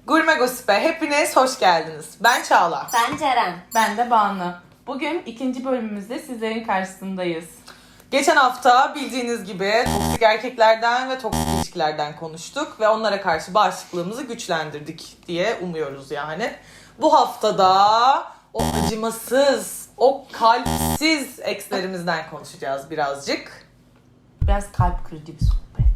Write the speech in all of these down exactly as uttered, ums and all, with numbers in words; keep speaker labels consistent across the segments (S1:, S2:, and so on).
S1: Gurme Gossip'e hepiniz hoş geldiniz. Ben Çağla.
S2: Ben Ceren.
S3: Ben de Banu. Bugün ikinci bölümümüzde sizlerin karşısındayız.
S1: Geçen hafta bildiğiniz gibi toksik erkeklerden ve toksik ilişkilerden konuştuk ve onlara karşı bağışıklığımızı güçlendirdik diye umuyoruz yani. Bu haftada o acımasız, o kalpsiz ekslerimizden konuşacağız birazcık.
S3: Biraz kalp kırıcı bir sohbet.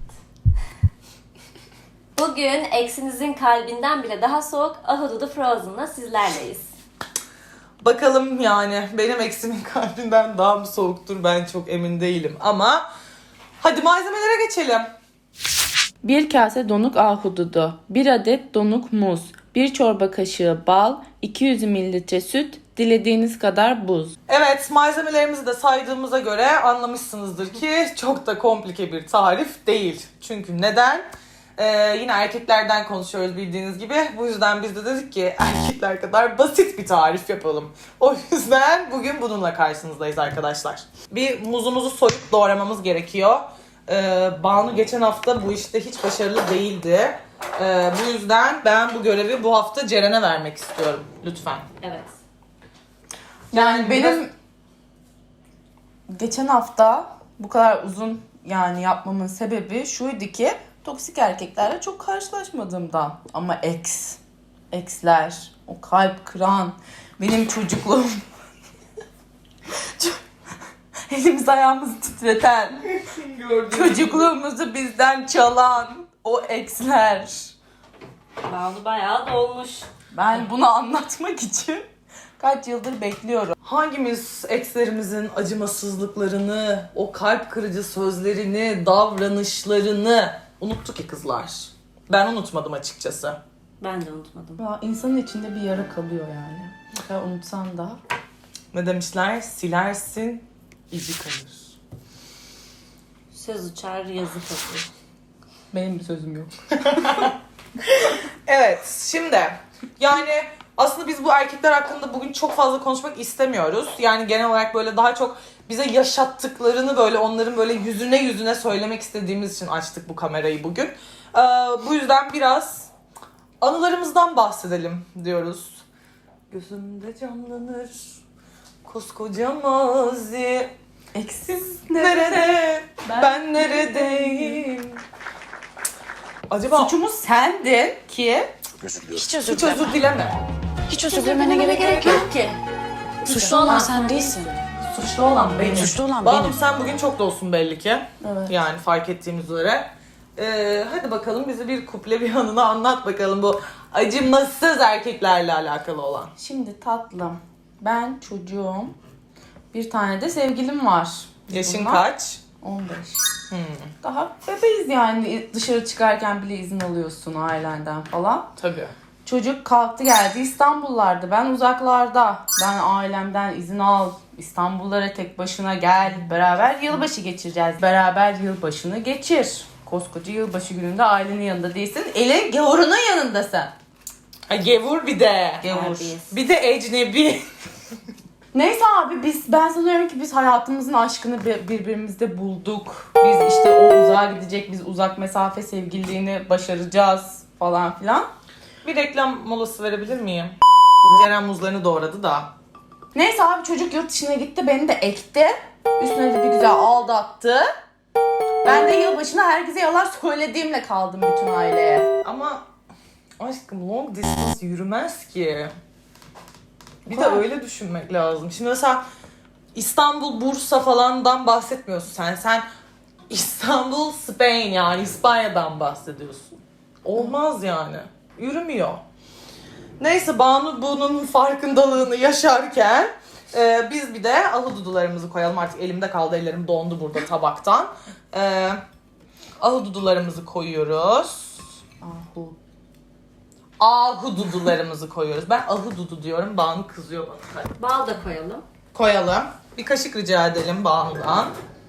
S2: Bugün eksinizin kalbinden bile daha soğuk Ahududu Frozen'la sizlerleyiz.
S1: Bakalım yani benim eksimin kalbinden daha mı soğuktur ben çok emin değilim ama hadi malzemelere geçelim.
S3: Bir kase donuk ahududu, bir adet donuk muz, bir çorba kaşığı bal, iki yüz mililitre süt, dilediğiniz kadar buz.
S1: Evet, malzemelerimizi de saydığımıza göre anlamışsınızdır ki çok da komplike bir tarif değil. Çünkü neden? Ee, yine erkeklerden konuşuyoruz bildiğiniz gibi. Bu yüzden biz de dedik ki erkekler kadar basit bir tarif yapalım. O yüzden bugün bununla karşınızdayız arkadaşlar. Bir muzumuzu soyup doğramamız gerekiyor. Ee, Banu geçen hafta bu işte hiç başarılı değildi. Ee, bu yüzden ben bu görevi bu hafta Ceren'e vermek istiyorum. Lütfen.
S2: Evet.
S3: Yani
S1: biraz-
S3: benim geçen hafta bu kadar uzun yani yapmamın sebebi şuydu ki toksik erkeklerle çok karşılaşmadığımdan. Ama ex, exler, o kalp kıran, benim çocukluğum, elimiz ayağımızı titreten, çocukluğumuzu bizden çalan o exler.
S2: Banu bayağı dolmuş.
S3: Ben bunu anlatmak için kaç yıldır bekliyorum.
S1: Hangimiz ekslerimizin acımasızlıklarını, o kalp kırıcı sözlerini, davranışlarını unuttu ki kızlar? Ben unutmadım açıkçası.
S2: Ben de unutmadım.
S3: Ya insanın içinde bir yara kalıyor yani. Ne kadar unutsan da.
S1: Ne demişler? Silersin, izi kalır.
S2: Söz uçar, yazı kalır.
S3: Benim bir sözüm yok.
S1: Evet, şimdi yani aslında biz bu erkekler hakkında bugün çok fazla konuşmak istemiyoruz. Yani genel olarak böyle daha çok bize yaşattıklarını böyle onların böyle yüzüne yüzüne söylemek istediğimiz için açtık bu kamerayı bugün. Ee, bu yüzden biraz anılarımızdan bahsedelim diyoruz. Gözümde canlanır koskoca mazi.
S3: Eksiz
S1: Nerede? Ben,
S3: Ben
S1: neredeyim? Acaba
S3: Suçumuz sendin ki
S4: Özür diliyorum.
S5: Hiç özür
S1: hiç
S5: dileme.
S1: özür dileme.
S5: Hiç özür dilemene gerek, gerek yok.
S2: ki.
S5: Suçlu olan sen değilsin.
S3: suçlu olan benim.
S5: Suçlu olan
S1: Banu
S5: benim.
S1: sen bugün çok dolsun belli ki.
S3: Evet.
S1: Yani fark ettiğimiz üzere. Ee, hadi bakalım bize bir kuple bir anını anlat bakalım bu acımasız erkeklerle alakalı olan.
S3: Şimdi tatlım, ben çocuğum. Bir tane de sevgilim var.
S1: Yaşın
S3: Bunlar
S1: kaç?
S3: on beş.
S1: Hmm,
S3: Daha bebeğiz yani. Dışarı çıkarken bile izin alıyorsun ailenden falan.
S1: tabii.
S3: Çocuk kalktı geldi İstanbul'larda. Ben uzaklarda. Ben ailemden izin al. İstanbullara tek başına gel. Beraber yılbaşı geçireceğiz. Beraber yılbaşını geçir. Koskoca yılbaşı gününde ailenin yanında değilsin. Elin gavurunun yanındasın.
S1: Ha, gevur bir de.
S3: Gavur.
S2: Terbiyesiz.
S1: Bir de ecnebi.
S3: Neyse abi biz ben sanıyorum ki biz hayatımızın aşkını bir- birbirimizde bulduk. Biz işte o uzağa gidecek, biz uzak mesafe sevgililiğini başaracağız falan filan.
S1: Bir reklam molası verebilir miyim? Ceren muzlarını doğradı da.
S3: Neyse abi çocuk yurt dışına gitti, beni de ekti. Üstüne de bir güzel aldattı. Ben de yılbaşına herkese yalan söylediğimle kaldım bütün aileye.
S1: Ama aşkım long distance yürümez ki. Bir de
S3: Kolay.
S1: öyle düşünmek lazım. Şimdi mesela İstanbul, Bursa falandan bahsetmiyorsun sen. Sen İstanbul, Spain yani İspanya'dan bahsediyorsun. Olmaz yani. Yürümüyor. Neyse Banu bunun farkındalığını yaşarken e, biz bir de ahududularımızı koyalım. Artık elimde kaldı, ellerim dondu burada tabaktan. E, ahududularımızı koyuyoruz.
S3: Ahu.
S1: Ahududularımızı koyuyoruz. Ben ahududu diyorum. Banu kızıyor bana. Hadi.
S2: Bal da koyalım.
S1: Koyalım. Bir kaşık rica edelim Banu'dan.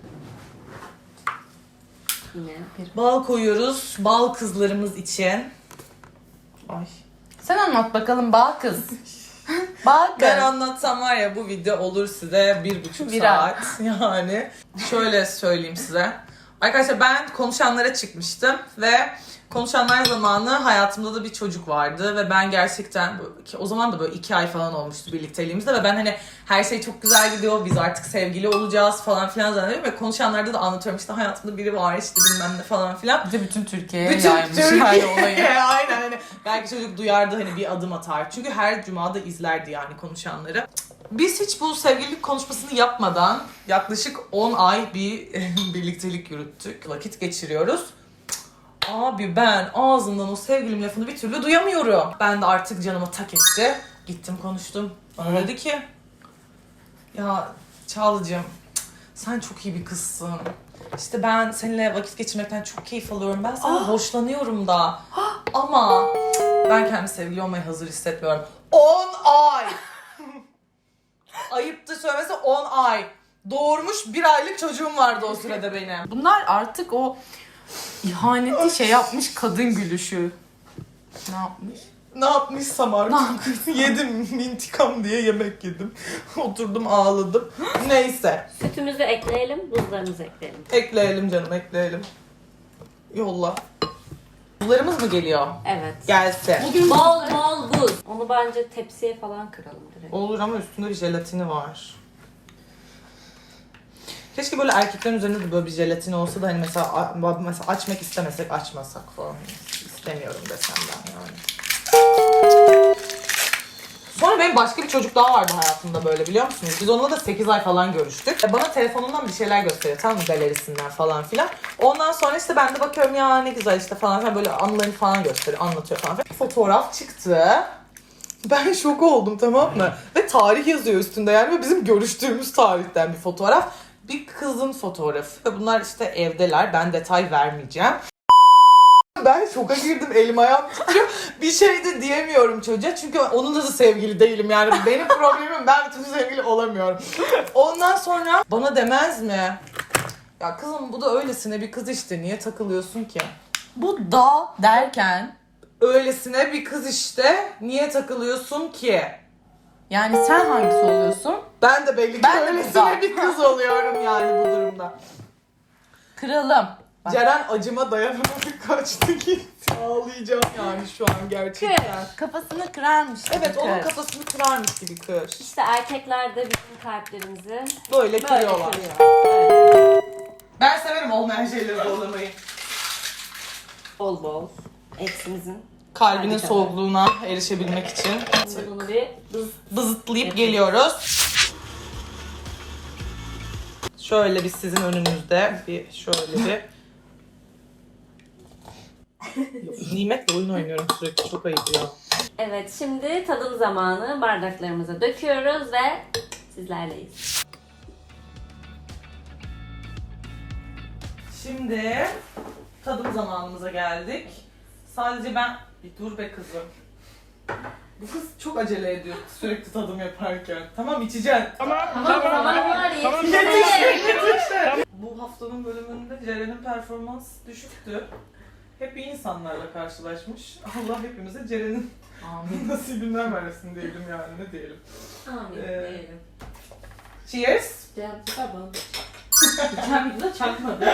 S2: Yine.
S1: Bal koyuyoruz. Bal kızlarımız için. Ay.
S3: Sen anlat bakalım bal kız. Bal kız.
S1: Ben anlatsam var ya bu video olur size bir buçuk
S3: Viral.
S1: saat. Yani şöyle söyleyeyim size. Arkadaşlar ben konuşanlara çıkmıştım ve Konuşanlar zamanı hayatımda da bir çocuk vardı ve ben gerçekten ki o zaman da böyle iki ay falan olmuştu birlikteliğimizde ve ben hani her şey çok güzel gidiyor, biz artık sevgili olacağız falan filan zannediyorum ve konuşanlarda da anlatıyorum işte hayatımda biri var işte bilmem ne falan filan.
S3: Bir de bütün Türkiye'ye
S1: Bütün
S3: yaymış
S1: Türkiye
S3: yani olayı.
S1: aynen hani belki çocuk duyardı hani bir adım atar. Çünkü her cumada izlerdi yani konuşanları. Biz hiç bu sevgililik konuşmasını yapmadan yaklaşık on ay bir birliktelik yürüttük. Vakit geçiriyoruz. Abi ben ağzından o sevgilim lafını bir türlü duyamıyorum. Ben de artık canıma tak etti. Gittim konuştum. Bana dedi ki ya Çağla'cığım sen çok iyi bir kızsın. İşte ben seninle vakit geçirmekten çok keyif alıyorum. Ben senden hoşlanıyorum da. Ama ben kendi sevgili olmaya hazır hissetmiyorum. on ay! Ayıptı söylemesi on ay. Doğurmuş bir aylık çocuğum vardı o sırada benim.
S3: Bunlar artık o ihaneti şey yapmış kadın gülüşü. Ne yapmış?
S1: Ne yapmışsam artık. Yedim intikam diye yemek yedim. Oturdum ağladım. Neyse.
S2: Sütümüzü ekleyelim, buzlarımızı ekleyelim.
S1: Ekleyelim canım ekleyelim. Yolla. Buzlarımız mı geliyor?
S2: Evet.
S1: Gelse.
S2: Bol bol buz. Onu bence tepsiye falan kıralım direkt.
S1: Olur ama üstünde bir jelatini var. Keşke böyle erkeklerin üzerinde de böyle bir jelatini olsa da hani mesela, mesela açmak istemesek açmasak falan. İstemiyorum desem ben yani. Sonra benim başka bir çocuk daha vardı hayatımda böyle biliyor musunuz? Biz onunla da sekiz ay falan görüştük. Bana telefonundan bir şeyler gösteriyor tamam mı galerisinden falan filan. Ondan sonra işte ben de bakıyorum ya ne güzel işte falan filan böyle anılarını falan gösteriyor, anlatıyor falan filan. Fotoğraf çıktı. Ben şok oldum tamam mı? Ve tarih yazıyor üstünde yani ve bizim görüştüğümüz tarihten bir fotoğraf. Bir kızın fotoğrafı ve bunlar işte evdeler. Ben detay vermeyeceğim. Ben şoka girdim, elim ayağım titriyor. Bir şey de diyemiyorum çocuğa çünkü onunla da sevgili değilim yani. Benim problemim ben bir türlü sevgili olamıyorum. Ondan sonra bana demez mi? Ya kızım bu da öylesine bir kız işte niye takılıyorsun ki?
S3: Bu da derken
S1: Öylesine bir kız işte niye takılıyorsun ki?
S3: yani sen hangisi oluyorsun?
S1: Ben de belli ki
S3: Ben de
S1: öylesine
S3: güzel.
S1: bir kız oluyorum yani bu durumda.
S3: Kralım. Bak.
S1: Ceren acıma dayanamadı kaçtı gitti. Ağlayacağım yani şu an gerçekten.
S3: Kafasını kırarmış.
S1: Evet
S3: kır.
S1: onun kafasını kırarmış gibi kır.
S2: İşte erkekler de bizim kalplerimizi
S1: Böyle
S2: böyle
S1: kırıyorlar.
S2: kırıyor. Böyle.
S1: Ben severim olmayan şeyleri zorlamayı.
S2: Bol bol. Eksimizin.
S1: Kalbinin
S2: Harika.
S1: soğukluğuna erişebilmek için
S2: Şimdi bunu bir bız
S1: bızıtlayıp
S2: Evet.
S1: geliyoruz. Şöyle bir sizin önünüzde bir şöyle bir Nimet'le oyun oynuyorum sürekli çok ayıp ya.
S2: Evet, şimdi tadım zamanı. Bardaklarımıza döküyoruz ve sizlerleyiz.
S1: Şimdi tadım zamanımıza geldik. Sadece ben... Bir dur be kızım. Bu kız çok acele ediyor sürekli tadım yaparken. Tamam içeceksin.
S2: Tamam, zaman var
S1: Yetişti,
S2: yetişti.
S1: yetişti. Bu haftanın bölümünde Ceren'in performans düşüktü. Hep iyi insanlarla karşılaşmış. Allah hepimize Ceren'in
S3: Amin.
S1: nasibinden versin diyelim yani ne diyelim.
S2: Amin
S1: Ee,
S2: diyelim.
S1: Cheers.
S2: Cem süper bana. Geçen videoda çakmadı.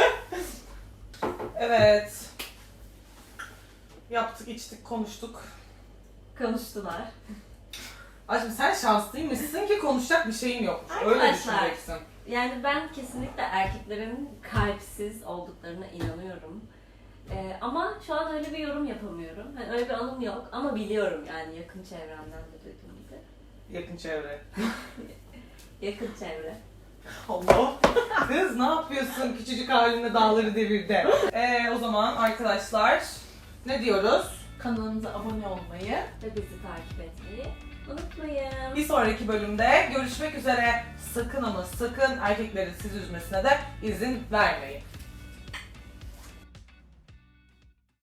S1: Evet. Yaptık, içtik, konuştuk.
S2: Konuştular.
S1: Aşkım sen şanslıymışsın ki konuşacak bir şeyin yok. Öyle
S2: Arkadaşlar.
S1: düşüneceksin.
S2: Yani ben kesinlikle erkeklerin kalpsiz olduklarına inanıyorum. Ee, ama şu an öyle bir yorum yapamıyorum. Hani öyle bir anım yok ama biliyorum yani yakın çevremden de duyduğum gibi.
S1: Yakın çevre.
S2: Yakın çevre.
S1: Allah. Kız ne yapıyorsun? Küçücük haline dağları devirde. Ee, o zaman arkadaşlar ne diyoruz?
S3: Kanalımıza abone olmayı.
S2: Ve bizi takip etmeyi unutmayın.
S1: Bir sonraki bölümde görüşmek üzere. Sakın ama sakın erkeklerin sizi üzmesine de izin vermeyin.